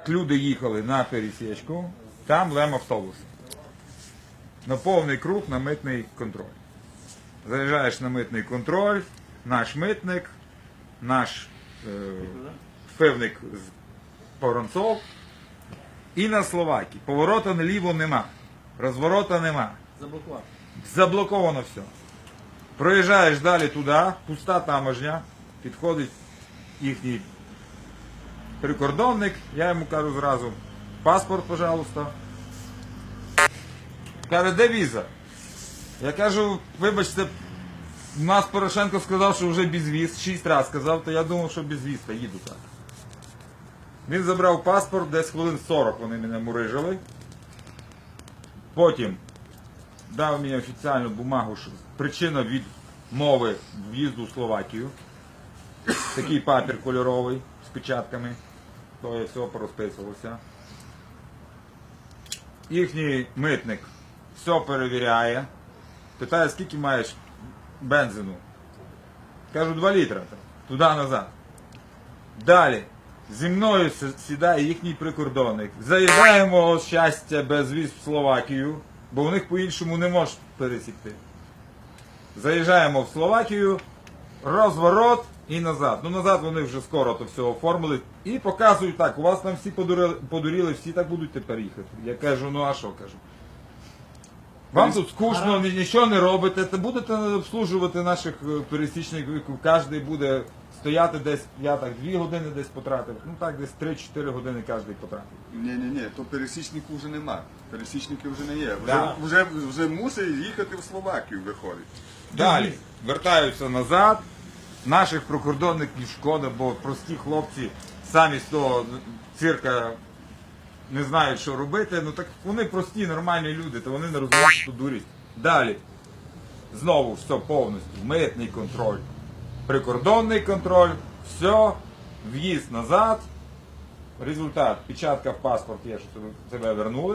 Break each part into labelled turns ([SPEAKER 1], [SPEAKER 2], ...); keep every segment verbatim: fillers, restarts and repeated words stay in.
[SPEAKER 1] Люди їхали на пересічку, там лем автобус. На повний круг на митний контроль. Заїжджаєш на митний контроль, наш митник, наш е, пивник з Воронцов і на Словакії. Поворота наліво нема, розворота нема.
[SPEAKER 2] Заблокував.
[SPEAKER 1] Заблоковано все. Проїжджаєш далі туди, пуста таможня, підходить їхній прикордонник, я йому кажу зразу, паспорт, пожалуйста. Каже, де віза? Я кажу, вибачте, у нас Порошенко сказав, що вже безвіз, шість разів сказав, то я думав, що безвіз, та їду так. Він забрав паспорт, десь хвилин сорок вони мене мурижили. Потім дав мені офіційну бумагу, що причина відмови в'їзду в Словакію. Такий папір кольоровий з печатками. То я все порозписувався. Їхній митник все перевіряє. Питає, скільки маєш бензину. Кажу, два літра. Туди-назад. Далі. Зі мною сідає їхній прикордонник. Заїжджаємо, щастя, без віз в Словакію, бо в них по-іншому не можеш пересікти. Заїжджаємо в Словакію, розворот і назад. Ну назад вони вже скоро то все оформили. І показують так, у вас там всі подурили, подуріли, всі так будуть тепер їхати. Я кажу, ну а що, кажу. Вам тут скучно, нічого не робите, то будете обслужувати наших пересічників, кожен буде стояти десь, я так дві години десь потратив, ну так десь три-чотири години кожен потратив.
[SPEAKER 3] Ні-ні-ні, то пересічників вже нема, пересічників вже не є, вже,
[SPEAKER 1] Да.
[SPEAKER 3] вже, вже мусить їхати в Словакію, виходить.
[SPEAKER 1] Далі вертаються назад, наших прикордонників шкода, бо прості хлопці самі з того цирка не знають, що робити, ну так вони прості, нормальні люди, то вони не розуміють, що дурість. Далі, знову все повністю, митний контроль, прикордонний контроль, все, в'їзд назад, результат, печатка в паспорт є, що тебе вернули,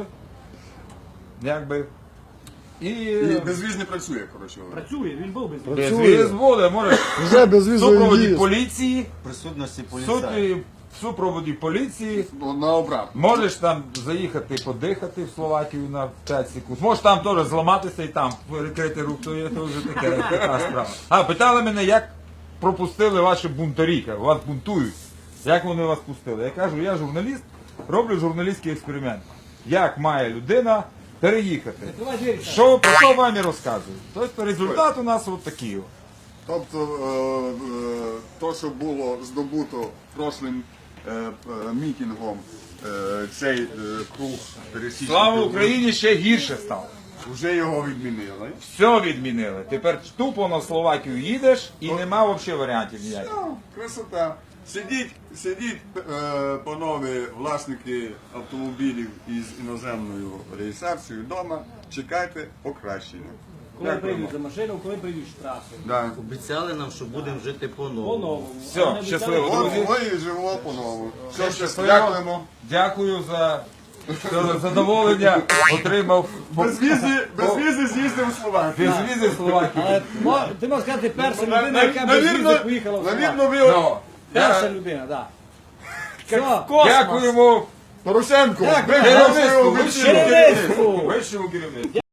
[SPEAKER 1] якби, і...
[SPEAKER 3] І безвіз не працює, коротше говоря.
[SPEAKER 2] Працює, він був без візу.
[SPEAKER 1] Безвіз буде, може,
[SPEAKER 4] Вже безвізовий
[SPEAKER 1] в супроводі
[SPEAKER 4] в'їзд.
[SPEAKER 1] поліції,
[SPEAKER 5] Присутності
[SPEAKER 1] в
[SPEAKER 5] поліцаїв.
[SPEAKER 1] суті, в супроводі поліції,
[SPEAKER 3] Ну, на обратно.
[SPEAKER 1] можеш там заїхати подихати в Словакію на п'ять секунд. Можеш там теж зламатися і там перекрити рук, то є то вже таке, така справа. А, питали мене, як пропустили ваші бунтарі, вас бунтують. Як вони вас пустили? Я кажу, я журналіст, роблю журналістський експеримент. Як має людина переїхати?
[SPEAKER 2] Давай двері.
[SPEAKER 1] Що, про що вам і розказую? Тобто результат у нас от такий.
[SPEAKER 3] Тобто, е, е, то, що було здобуто прошлим е, е, мітингом, е, цей е, круг пересічників,
[SPEAKER 1] Слава Україні, ще гірше стало.
[SPEAKER 3] вже його відмінили.
[SPEAKER 1] Все відмінили. Тепер тупо на Словакію їдеш і нема взагалі варіантів ніяких.
[SPEAKER 3] Ну, красота. Сидіть, сидіть, е, панове власники автомобілів із іноземною реєстрацією вдома, чекайте покращення.
[SPEAKER 2] Коли
[SPEAKER 3] Дякуємо.
[SPEAKER 2] прийдуть за машину, коли прийдуть штрафи.
[SPEAKER 3] Да.
[SPEAKER 5] Обіцяли нам, що будемо жити по-новому.
[SPEAKER 2] По-новому.
[SPEAKER 1] Все,
[SPEAKER 2] Вони
[SPEAKER 1] щасливо,
[SPEAKER 2] обіцяли-
[SPEAKER 1] друзі.
[SPEAKER 3] Ой, ой, живо по-новому. Все,
[SPEAKER 1] Щасливо.
[SPEAKER 3] щасливо. Дякуємо.
[SPEAKER 1] Дякую за за задоволення. Отримав
[SPEAKER 3] Без візи, без візи з'їздив у Словакію.
[SPEAKER 1] без візи в Словакію.
[SPEAKER 2] Але мо- ти можеш сказати, перша
[SPEAKER 3] На-
[SPEAKER 2] людина,
[SPEAKER 3] на-
[SPEAKER 2] яка без
[SPEAKER 3] навірно-
[SPEAKER 2] візи поїхала в
[SPEAKER 3] Навірно,
[SPEAKER 2] Словакію.
[SPEAKER 3] ви
[SPEAKER 1] Ну,
[SPEAKER 2] Перша
[SPEAKER 1] я-
[SPEAKER 2] людина, так. Все.
[SPEAKER 1] Дякуємо
[SPEAKER 3] Порошенко.
[SPEAKER 2] Дякую.
[SPEAKER 3] ви
[SPEAKER 1] керівництву,
[SPEAKER 3] голосуємо
[SPEAKER 1] вищому
[SPEAKER 3] вищому
[SPEAKER 2] керівництву.
[SPEAKER 1] вищому керівництву.